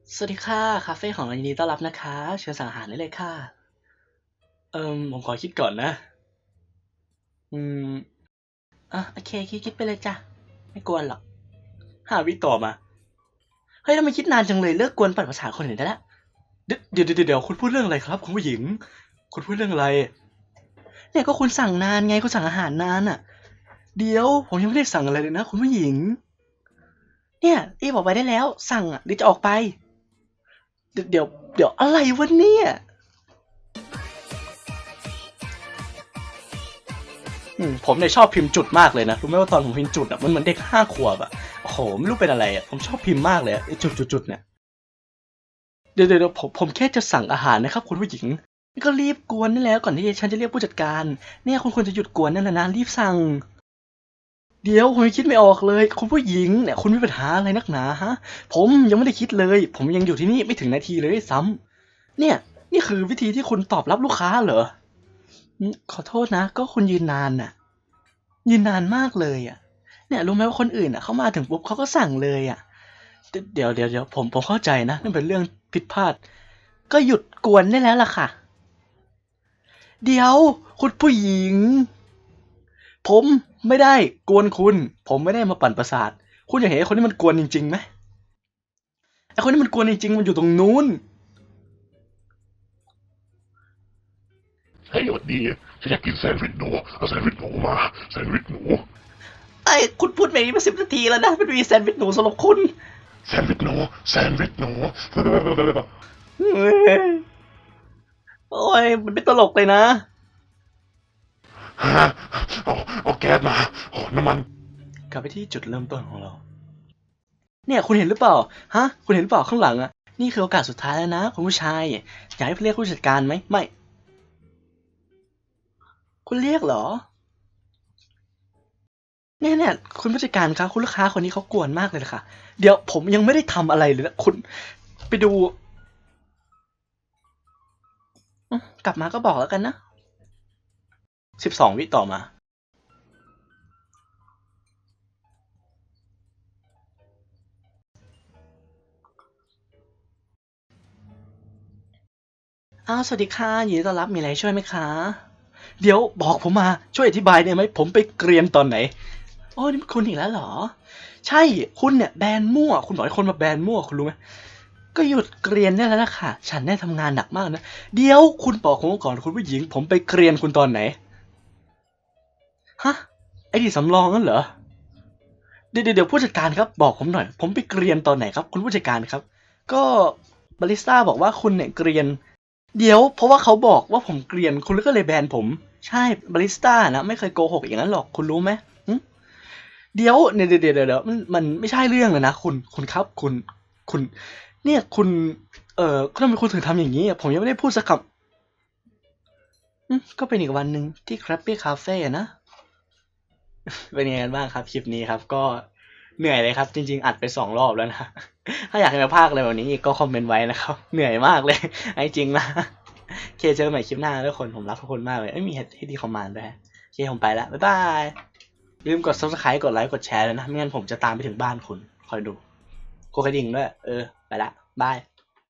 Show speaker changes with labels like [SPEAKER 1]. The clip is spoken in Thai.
[SPEAKER 1] สวัสดีค่ะคาเฟ่ของเรายินดีต้อนรับนะคะเชิญสั่งอาหารได้เลยค่ะผมขอคิดก่อนนะอืมโอเคคิดไปเลยจ้ะไม่กวนหรอก5 วิต่อมาเฮ้ยทำไมคิดนานจังเลยเลิกกวนปั่นประสาทคนอื่นได้แล้วเดี๋ยวคุณพูดเรื่องอะไรครับคุณผู้หญิงคุณพูดเรื่องอะไรเนี่ยก็คุณสั่งนานไงคุณสั่งอาหารนานอ่ะเดี๋ยวผมยังไม่ได้สั่งอะไรเลยนะคุณผู้หญิงเนี่ยรีบออกไปได้แล้วสั่งอ่ะหรือจะออกไปเดี๋ยวอะไรวะเนี่ย ผมเนี่ยชอบพิมพ์จุดมากเลยนะรู้ไหมว่าตอนผมพิมพ์จุดอ่ะมันเหมือนเด็ก5 ขวบอ่ะโอ้โหไม่รู้เป็นอะไรอ่ะผมชอบพิมพ์มากเลยไอ้จุดเนี่ยเดี๋ยวผมแค่จะสั่งอาหารนะครับคุณผู้หญิงนี่ก็รีบกวนนี่แล้วก่อนที่ฉันจะเรียกผู้จัดการเนี่ยคุณควรจะหยุดกวนนั่นนะรีบสั่งเดี๋ยวผมยังคิดไม่ออกเลยคุณผู้หญิงเนี่ยคุณมีปัญหาอะไรนักหนาฮะผมยังไม่ได้คิดเลยผมยังอยู่ที่นี่ไม่ถึงนาทีเลยซ้ำเนี่ยนี่คือวิธีที่คุณตอบรับลูกค้าเหรอขอโทษนะก็คุณยืนนานน่ะ ยืนนานมากเลยอะเนี่ยรู้ไหมว่าคนอื่นอะเขามาถึงปุ๊บเขาก็สั่งเลยอะเดี๋ยวผมเข้าใจนะนั่นเป็นเรื่องผิดพลาดก็หยุดกวนได้แล้วล่ะค่ะเดี๋ยวคุณผู้หญิงผมไม่ได้กวนคุณผมไม่ได้มาปั่นประสาทคุณอยากเห็นไอ้คนที่มันกวนจริงๆไหมไอ้คนที่มันกวนจริงๆมันอยู่ตรงนู้น
[SPEAKER 2] เฮ้ยสวัสดีฉันอยากกินแซนด์วิชหนูเอาแซนด์วิชหนูมาแซนด์วิชหนู
[SPEAKER 1] ไอ้คุณพูดแบบนี้มา10 นาทีแล้วนะมันมีแซนด์วิชหนูสำหรับคุณ
[SPEAKER 2] แซนด์วิชหนูแซนด์วิชหนู
[SPEAKER 1] เฮ้ยโอ้ยมันไม่ตลกเลยนะ
[SPEAKER 2] ฮะเอาแก๊สมาโอ้น้ำมัน
[SPEAKER 1] กลับไปที่จุดเริ่มต้นของเรา เนี่ยคุณเห็นหรือเปล่าฮะคุณเห็นหรือเปล่าข้างหลังอะนี่คือโอกาสสุดท้ายแล้วนะคุณผู้ชายอยากให้เรียกผู้จัดการไหมไม่คุณเรียกเหรอเนี่ยคุณผู้จัดการครับคุณลูกค้าคนนี้เขากวนมากเลยค่ะเดี๋ยวผมยังไม่ได้ทำอะไรเลยนะคุณไปดูกลับมาก็บอกแล้วกันนะ12 วิต่อมาสวัสดีค่ะยินดีต้อนรับมีอะไรช่วยไหมคะเดี๋ยวบอกผมมาช่วยอธิบายได้ไหมผมไปเกรียนตอนไหนโอ้นี่คุณอีกแล้วเหรอใช่คุณเนี่ยแบนมั่วคุณบอกให้คนมาแบนมั่วคุณรู้ไหม ก็หยุดเกรียนได้แล้วล่ะค่ะฉันได้ทำงานหนักมากนะเดี๋ยวคุณบอกผมก่อนคุณผู้หญิงผมไปเกรียนคุณตอนไหนฮะไอ้ที่สำรองนั่นเหรอเดี๋ยวผู้จัดการครับบอกผมหน่อยผมไปเกรียนตอนไหนครับคุณผู้จัดการครับก็บาริสต้าบอกว่าคุณเนี่ยเกรียนเดี๋ยวเพราะว่าเขาบอกว่าผมเกรียนคุณก็เลยแบนผมใช่บาริสต้านะไม่เคยโกหกอย่างนั้นหรอกคุณรู้ไหมเดี๋ยวเดี๋ยวมันไม่ใช่เรื่องเลยนะคุณครับคุณเนี่ยคุณทำไมคุณถึงทำอย่างนี้อะผมยังไม่ได้พูดสักคำก็เป็นอีกวันหนึ่งที่ Krabby Cafe อะนะเป็นยังไงกันบ้างครับคลิปนี้ครับก็เหนื่อยเลยครับจริงๆอัดไป2 รอบแล้วนะถ้าอยากให้มาพากอะไรแบบนี้อีกก็คอมเมนต์ไว้นะครับเหนื่อยมากเลยไอ้จริงนะโอเคเจอกันใหม่คลิปหน้าทุกคนผมรักทุกคนมากเลยมีให้ดีคอมมานด์ด้วยโอเคผมไปแล้วบ๊ายบายลืมกด subscribe กดไลค์กดแชร์เลยนะไม่งั้นผมจะตามไปถึงบ้านคุณคอยดูกดกระดิ่งด้วยไปละบาย